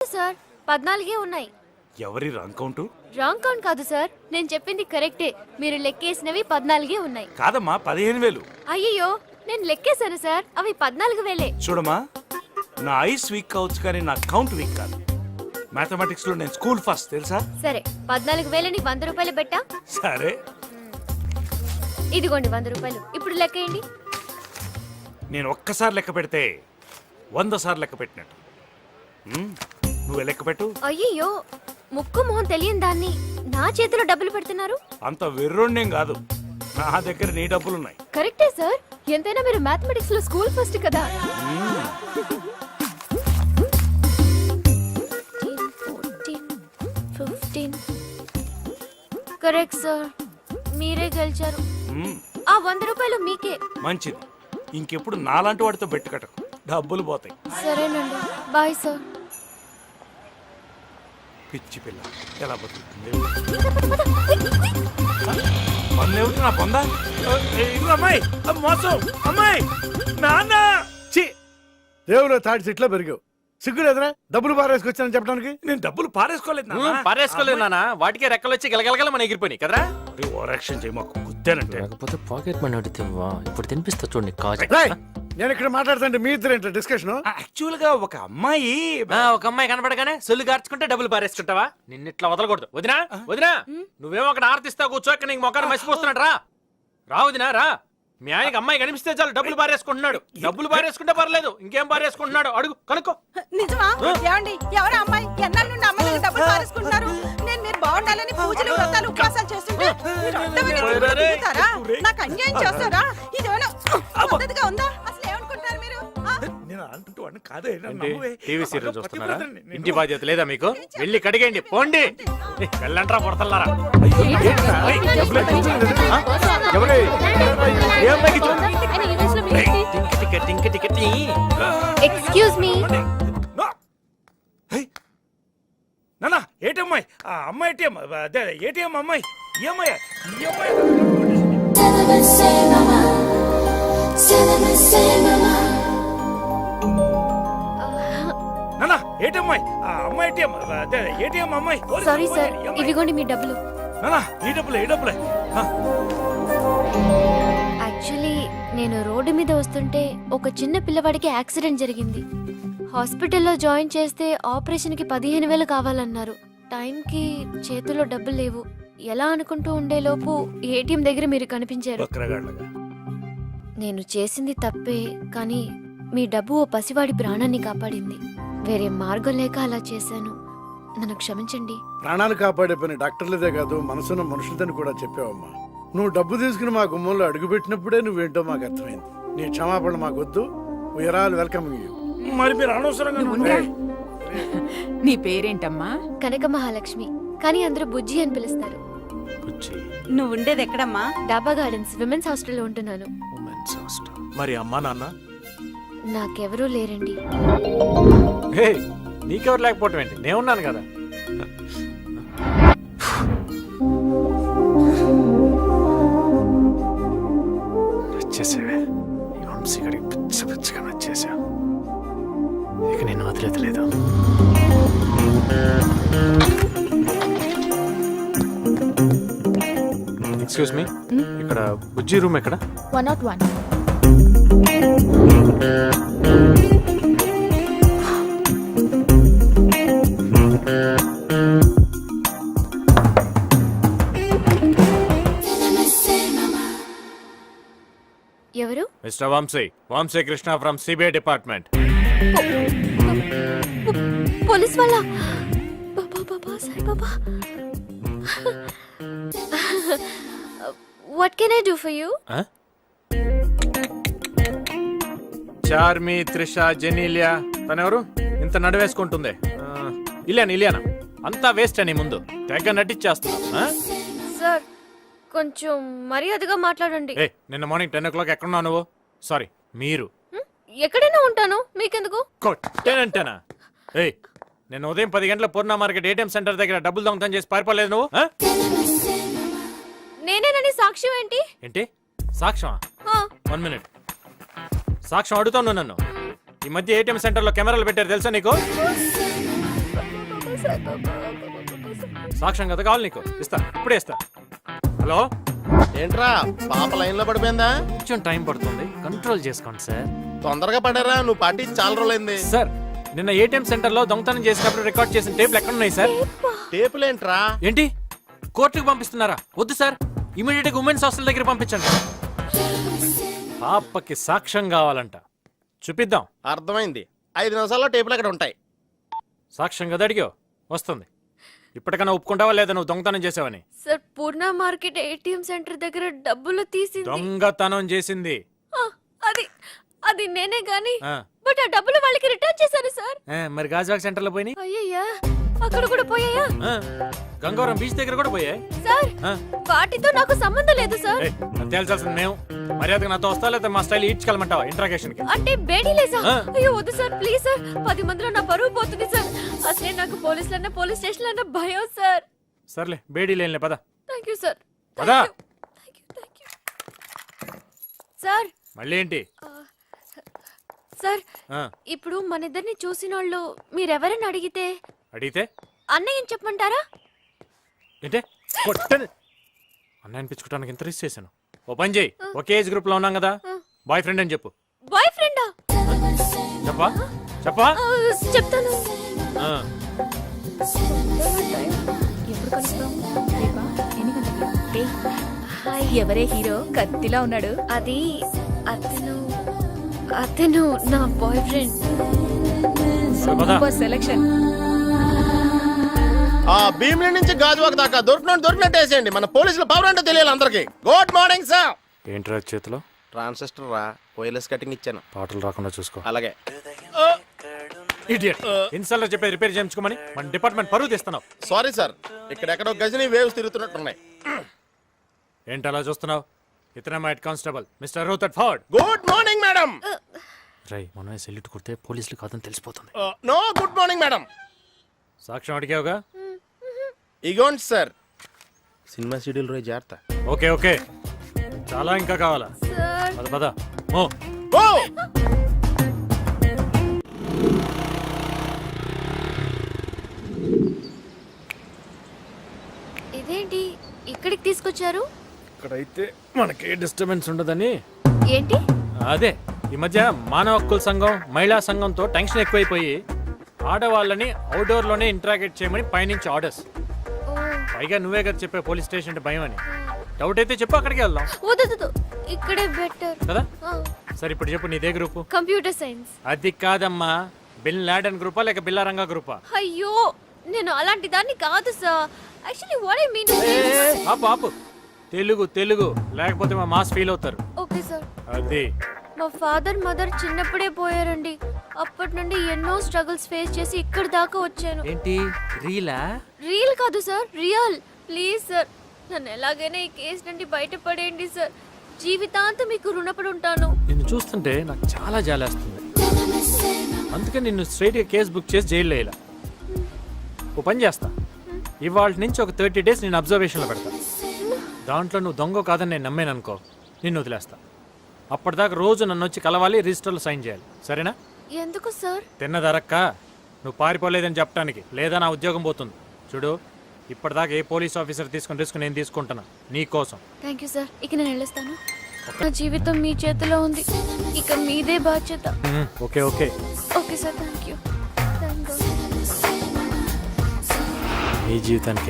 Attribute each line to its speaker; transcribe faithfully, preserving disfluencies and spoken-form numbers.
Speaker 1: Sir, పద్నాలుగే ఉన్నాయి.
Speaker 2: ఎవరి రాంగ్ కౌంటు?
Speaker 1: రాంగ్ కౌంట్ కాదు సార్, నేను చెప్పింది కరెక్టే. మీరు లెక్కేసినవి పద్నాలుగే ఉన్నాయి.
Speaker 2: కాదమ్మా, పదిహేను వేలు.
Speaker 1: అయ్యో, నేను లెక్కేశాను సార్, అవి పద్నాలుగు వేలే.
Speaker 2: చూడమ్మా, నా ఐస్ వీక్ కావచ్చు కానీ నా కౌంట్ వీక్ కాదు. మ్యాథమెటిక్స్ లో నేను స్కూల్ ఫస్ట్, తెలుసా?
Speaker 1: సరే, పద్నాలుగు వేలని వంద రూపాయలు పెట్టా.
Speaker 2: సరే,
Speaker 1: ఇదిగోండి వంద రూపాయలు. ఇప్పుడు లెక్కేయండి.
Speaker 2: నేను ఒక్కసారి లెక్క పెడితే వంద సార్లు లెక్క పెట్టినట్టు. ఉమ్, నువ్వే లెక్క పెట్టు.
Speaker 1: అయ్యో, ముక్కు మొహం తెలియని దాన్ని నా చేతిలో డబ్బులు పెడుతున్నారు.
Speaker 2: అంత వెర్రోణ్యం కాదు, నా దగ్గర నీ డబ్బులున్నాయి.
Speaker 1: కరెక్టే సార్, ఎంతైనా మీరు మ్యాథమెటిక్స్ లో స్కూల్ ఫస్ట్ కదా. కరెక్ట్ సార్, మీరే గెలిచారు.
Speaker 2: ఉమ్,
Speaker 1: ఆ వంద రూపాయలు మీకే.
Speaker 2: మంచిది. ఇంకెప్పుడు నాలాంటి వాడితో బెట్టు కట్టకు, డబ్బులు పోతాయి.
Speaker 1: సరేనండి, బాయ్ సార్.
Speaker 2: పిచ్చి పిల్ల ఎలా బతుకుతుంది? పన్నేమిటి నా పొందా? ఇదిగో అమ్మాయి, మోసం అమ్మాయి, నాన్న.
Speaker 3: చి రేవులో తాటి చెట్లో పెరిగావు, సిగ్గు లేదురా డబ్బులు పారేసుకొచ్చానని చెప్పడానికి?
Speaker 2: నేను డబ్బులు పారేసుకోలేదు నాన్న.
Speaker 4: పారేసుకోలేదు నాన్న, వాటికే రెక్కలు వచ్చి గలగలగల మన ఎగిరిపోయి కదరా.
Speaker 2: ఓవరాక్షన్ చేయి, మాకు గుద్దానంటే.
Speaker 5: లేకపోతే పాకెట్ మనీ అడిగితేవా ఇప్పుడు తినిపిస్తా చూడండి కాజు.
Speaker 3: రేయ్, నేను ఇక్కడ మాట్లాడుతుంటే మీ ఇద్దరు ఏంటో డిస్కషన్?
Speaker 2: యాక్చువల్ గా ఒక అమ్మాయి
Speaker 4: ఒక అమ్మాయి కనపడగానే సొల్లు గార్చుకుంటే డబ్బులు పారేసుకుంటావా? నిన్నిట్లా వదలకూడదు. వదినా వదినా, నువ్వేమో అక్కడ ఆర్తిస్తా కూర్చో, ఇక్కడ నీకు మొక్కలు మసిపోస్తున్నాడు. రా రా వదినా రా. మీ ఆయనకి అమ్మాయి కనిపిస్తే చాలు డబ్బులు పారేసుకుంటున్నాడు. డబ్బులు పారేసుకుంటే పర్లేదు, ఇంకేం పారేసుకుంటున్నాడు అడుగు, కనుక్కో.
Speaker 6: నిజమా? ఏమండి, ఎవరు అమ్మాయి? ఎన్నాళ్ళ నుండి అమ్మాయి దగ్గర డబ్బులు పారేసుకుంటున్నారు? నేను మీరు బాగుండాలని పూజలు వ్రతాలు ఉపవాసాలు చేస్తుంటే మీరు అడ్డమైన తిరుగుడు తిరుగుతారా? నాకు అన్యాయం చేస్తారా? ఇదేమైనా పద్ధతిగా ఉందా? అసలు ఏమనుకుంటున్నారు మీరు? ఆ?
Speaker 2: నేను అంటూ అని కాదే, నన్ను నమ్మువే.
Speaker 4: టీవీ సీరియల్ చూస్తున్నారా?
Speaker 2: పతివ్రతని నేను-
Speaker 4: ఇంటి బాధ్యత లేదా మీకు? వెళ్ళి కడిగండి, పోండి. వెళ్ళంట్రా పుడతల్లారా.
Speaker 1: Excuse me.
Speaker 2: నో. హే, నాన్న ఏటమ్మాయి? ఆ అమ్మాయి ఏటీఎం, అదే ఏటీఎం అమ్మాయి. ఈ అమ్మాయి, ఈ అమ్మాయి. నాన్న ఏటమ్మాయి? ఆ అమ్మాయి ఏటీఎం, అదే ఏటీఎం అమ్మాయి.
Speaker 1: సారీ సార్, ఇవిగోండి మీ డబ్బులు.
Speaker 2: నాన్న ఈ డబ్బులే, ఈ డబ్బులే. ఆ,
Speaker 1: యాక్చువల్లీ నేను రోడ్డు మీద వస్తుంటే ఒక చిన్న పిల్లవాడికి యాక్సిడెంట్ జరిగింది. హాస్పిటల్లో జాయిన్ చేస్తే ఆపరేషన్కి పదిహేను వేలు కావాలన్నారు. టైంకి చేతిలో డబ్బులు లేవు. ఎలా అనుకుంటూ ఉండేలోపు ఏటీఎం దగ్గర మీరు కనిపించారు.
Speaker 2: బక్రగాళ్ళగా.
Speaker 1: నేను చేసింది తప్పే, కానీ మీ డబ్బు ఓ పసివాడి ప్రాణాన్ని కాపాడింది. వేరే మార్గం లేక అలా చేశాను. నన్ను క్షమించండి.
Speaker 3: ప్రాణాలు కాపాడే పని డాక్టర్లదే కాదు, మనసున్న మనుషులదని కూడా చెప్పావమ్మా. నువ్వు డబ్బు తీసుకుని మా గుమ్మంలో అడుగుపెట్టినప్పుడే నువ్వేంటో మాకు అర్థమైంది. నీ క్షమాపణ మాకొద్దు. We're all welcoming you.
Speaker 2: మరి మీరు అనవసరంగా
Speaker 3: ఏయ్,
Speaker 6: నీ పేరేంటమ్మా?
Speaker 1: కనక మహాలక్ష్మి, కానీ అందరూ బుజ్జి అని పిలుస్తారు.
Speaker 6: నువ్వు ఉండేది ఎక్కడమ్మా?
Speaker 1: డాబా గార్డెన్స్ విమెన్స్ హాస్టల్లో ఉంటున్నాను.
Speaker 4: మరి అమ్మా నాన్న?
Speaker 1: నాకెవరూ లేరండి.
Speaker 4: హే, నీకెవరు లేకపోవటం ఏంటి? నేను ఉన్నాను కదా.
Speaker 5: నచ్చేసేవే ఈ వంశీగడికి పిచ్చ పిచ్చగా నచ్చేసా. ఇక నేను వదిలేదు.
Speaker 4: ఎక్స్క్యూజ్ మీ, ఇక్కడ బుజ్జి రూమ్ ఎక్కడ?
Speaker 1: One not one. ఎవరు?
Speaker 4: Mister Vamshi, Vamshi Krishna from CBI department.
Speaker 1: Police వాళ్ళ? Baba Baba Sai Baba. What can I do for you?
Speaker 4: Charmi, Trisha, Genelia, తనెవరు ఇంత నడివేసుకుంటుంది? ఇలియానా ఇలియానా అంతా వేస్ట్ అని ముందు తెగ నటించేస్తున్నా.
Speaker 1: సార్, కొంచెం మర్యాదగా మాట్లాడండి.
Speaker 4: ఏ, నిన్న మార్నింగ్ టెన్ ఓ క్లాక్ ఎక్కడున్నావు నువ్వు? సారీ, మీరు.
Speaker 1: హ్మ్? ఎక్కడైనా ఉంటాను, మీకెందుకు?
Speaker 4: కొట్టేనంటేనా? ఏయ్, నేను ఉదయం పది గంటల పూర్ణ మార్కెట్ ఏటీఎం సెంటర్ దగ్గర డబ్బులు దొంగతనం చేసి పారిపోలేదు నువ్వు? ఆ?
Speaker 1: నేనేనని సాక్ష్యం ఏంటి?
Speaker 4: ఏంటి సాక్ష్యమా?
Speaker 1: ఆ,
Speaker 4: వన్ మినిట్. సాక్ష్యం అడుగుతాను నన్ను. ఈ మధ్య ఏటీఎం సెంటర్ లో కెమెరాలు పెట్టారు తెలుసా నీకు? సాక్ష్యం కదా కావాలి నీకు ఇస్తా ఇప్పుడే ఇస్తా హలో
Speaker 7: ఏంట్రా పాప లైన్ లో పడిపోయిందా?
Speaker 4: కొంచెం టైం పడుతుంది కంట్రోల్ చేసుకోండి సార్
Speaker 7: తొందరగా పడారా, నువ్వు పార్టీ చాలా రోజులైంది.
Speaker 4: సార్ నిన్న ఏటీఎం సెంటర్ లో దొంగతనం చేసినప్పుడు రికార్డ్ చేసిన టేపులు ఎక్కడ ఉన్నాయి సార్?
Speaker 7: టేపులేంట్రా?
Speaker 4: ఏంటి కోర్టుకు పంపిస్తున్నారా? వద్దు సార్, ఇమీడియట్ గా ఉమెన్స్ హాస్టల్ దగ్గర పంపించండి. పాపకి సాక్ష్యం కావాలంట, చూపిద్దాం.
Speaker 7: అర్థమైంది. ఐదు నిమిషాల్లో టేపులు అక్కడ ఉంటాయి.
Speaker 4: సాక్ష్యం కదా అడిగావు, వస్తుంది. ఇప్పటికైనా ఒప్పుకుంటావా లేదా నువ్వు దొంగతనం చేసావని?
Speaker 1: Sir Purna market ATM centre దగ్గర డబ్బులు తీసింది
Speaker 4: దొంగతనం చేసింది
Speaker 1: ఆ, అది అది నేనే గాని
Speaker 4: ఆ.
Speaker 1: బట్ ఆ డబ్బులు వాళ్ళకి రిటర్న్ చేశాను సార్.
Speaker 4: ఏ, మరి గాజువాక్ సెంటర్ లో పోయినాయి.
Speaker 1: అయ్యయ్యా అక్కడ కూడా పోయాయా?
Speaker 4: ఆ, గంగవరం బీచ్ దగ్గర కూడా పోయాయి.
Speaker 1: సార్
Speaker 4: ఆ.
Speaker 1: వాటితో నాకు సంబంధం లేదు సార్.
Speaker 4: ఏయ్, అది తేల్చాల్సింది మేము. మర్యాదగా నాతో వస్తా లేదా మా స్టైల్ ఈడ్చుకెళ్ళమంటావా ఇంట్రాగేషన్ కి?
Speaker 1: అంటే బేడీ లేదా?
Speaker 4: ఆ.
Speaker 1: అయ్యో వద్దు సార్ ప్లీజ్ సార్, పది మందిలో నా పరువు పోతుంది సార్. అసలే నాకు పోలీసులన్నా పోలీస్ స్టేషన్ అన్న భయం సార్.
Speaker 4: సర్లే బేడీ లేనిలే పద.
Speaker 1: Thank you sir.
Speaker 4: పదా.
Speaker 1: Thank you thank you sir.
Speaker 4: మళ్ళీ ఏంటి?
Speaker 1: సార్
Speaker 4: ఆ,
Speaker 1: ఇప్పుడు మన ఇద్దరిని చూసిన వాళ్ళు మీరెవరని అడిగితే
Speaker 4: అడిగితే
Speaker 1: అన్నయ్య చెప్పమంటారా?
Speaker 4: ఏంటే కొట్టని అన్న అనిపించుకోవడానికి ఇంత రిస్క్ చేశాను. ఓ పని చేయి, ఒకే ఏజ్ గ్రూప్ లో ఉన్నాం కదా, బాయ్ ఫ్రెండ్ అని చెప్పు.
Speaker 1: బాయ్ ఫ్రెండా?
Speaker 4: చెప్పా చెప్పా
Speaker 1: చెప్తాను.
Speaker 4: ఆ,
Speaker 8: ఎప్పుడు కలుస్తాం? రేపా? ఎన్ని గంటలకి? హాయ్, ఎవరే హీరో కత్తిలా ఉన్నాడు?
Speaker 1: అది అతను అతను నా బాయ్ ఫ్రెండ్.
Speaker 4: పద.
Speaker 8: Super selection.
Speaker 7: ఆ భీమిలి నుంచి గాజువాక దాకా దొరికినట్టు దొరికినట్టు వేసేయండి. మన పోలీసుల పవర్ అంటే తెలియాలి అందరికి. Good morning sir.
Speaker 4: ఏంట్రా చేతిలో?
Speaker 7: ట్రాన్సిస్టర్ రా, వైర్లెస్ కటింగ్ ఇచ్చాను.
Speaker 4: పాటలు రాకుండా చూసుకో.
Speaker 7: అలాగే.
Speaker 4: ఇడియట్, ఇన్స్టాల్లో చెప్పే రిపేర్ చేయించుకోమని మన డిపార్ట్మెంట్ పరువు తీస్తున్నావు.
Speaker 7: సారీ సార్, ఇక్కడెక్కడో గజని వేవ్స్ తిరుగుతున్నట్టున్నాయి.
Speaker 4: ఏంటి అలా చూస్తున్నావు? ఇతనే మా head constable mister Rutherford.
Speaker 7: Good morning madam.
Speaker 4: రై మనమే సెల్యూట్ కొడితే పోలీసులు కాదని తెలిసిపోతుంది.
Speaker 7: No good morning madam.
Speaker 4: సాక్ష్యం అడిగావుగా?
Speaker 7: ఇగోండి సార్, సినిమా షెడ్యూల్ రోజు జాగ్రత్త.
Speaker 4: ఓకే ఓకే, చాలా ఇంకా కావాలా?
Speaker 1: సార్
Speaker 4: పద పద. ఓ
Speaker 7: ఓ
Speaker 1: ఇదేంటి ఇక్కడికి తీసుకొచ్చారు?
Speaker 4: ఇక్కడైతే మనకి డిస్టర్బెన్స్ ఉండదని.
Speaker 1: ఏంటి?
Speaker 4: అదే ఈ మధ్య మానవ హక్కుల సంఘం మహిళా సంఘంతో టెన్షన్ ఎక్కువైపోయి ఆడవాళ్ళని అవుట్డోర్ లోనే ఇంటరాగేట్ చేయమని పైనుంచి ఆర్డర్స్.
Speaker 1: ఓ,
Speaker 4: పైగా నువ్వే కదా చెప్పే పోలీస్ స్టేషన్ అంటే భయం అని. డౌట్ అయితే చెప్పు, అక్కడికి వెళ్దాం.
Speaker 1: వద్దు వద్దు, ఇక్కడే బెటర్.
Speaker 4: కదా సరే, ఇప్పుడు చెప్పు నీదే గ్రూపు?
Speaker 1: Computer science.
Speaker 4: అది కాదమ్మా, బిన్ లాడెన్ గ్రూపా లేక బిల్లారంగా గ్రూపా?
Speaker 1: అయ్యో నేను అలాంటి దాన్ని కాదు sir. Actually what I mean.
Speaker 4: ఆపు ఆపు, తెలుగు తెలుగు, లేకపోతే మా మాస్ ఫీల్ అవుతారు.
Speaker 1: Okay sir.
Speaker 4: అది
Speaker 1: మా ఫాదర్ మదర్ చిన్నప్పుడే పోయారండి. అప్పటి నుండి ఎన్నో స్ట్రగుల్స్ ఫేస్ చేసి ఇక్కడి దాకా వచ్చాను.
Speaker 4: ఏంటి రీలా?
Speaker 1: రియల్ కాదు సార్, రియల్. ప్లీజ్ సార్, నన్ను ఎలాగైనా ఈ కేసు నుండి బయటపడేయండి సార్. జీవితాంతం మీకు రుణపడి ఉంటాను.
Speaker 4: నిన్ను చూస్తుంటే నాకు చాలా జాలేస్తుంది. అందుకే నిన్ను స్ట్రైట్గా కేసు బుక్ చేసి జైల్లో వేయాల. ఓ పని చేస్తా, ఇవాళ నుంచి ఒక థర్టీ డేస్ నేను అబ్జర్వేషన్లో పెడతా. దాంట్లో నువ్వు దొంగ కాదని నేను నమ్మాను అనుకో, నిన్ను వదిలేస్తా. అప్పటిదాకా రోజు నన్ను వచ్చి కలవాలి, రిజిస్టర్లో సైన్ చేయాలి, సరేనా?
Speaker 1: ఎందుకు సార్?
Speaker 4: తిన్నదరక్క నువ్వు పారిపోలేదని చెప్పడానికి, లేదా నా ఉద్యోగం పోతుంది. చూడు, ఇప్పటిదాకా ఏ పోలీస్ ఆఫీసర్ తీసుకుని రిస్క్ నేను తీసుకుంటున్నా నీ కోసం.
Speaker 1: థ్యాంక్ యూ సార్, ఇక నేను వెళ్ళొస్తాను. నా జీవితం మీ చేతిలో ఉంది, ఇక మీదే బాధ్యత.
Speaker 4: మ్మ్, okay okay.
Speaker 1: Okay sir, thank you. Thank
Speaker 4: నీ జీవితానికి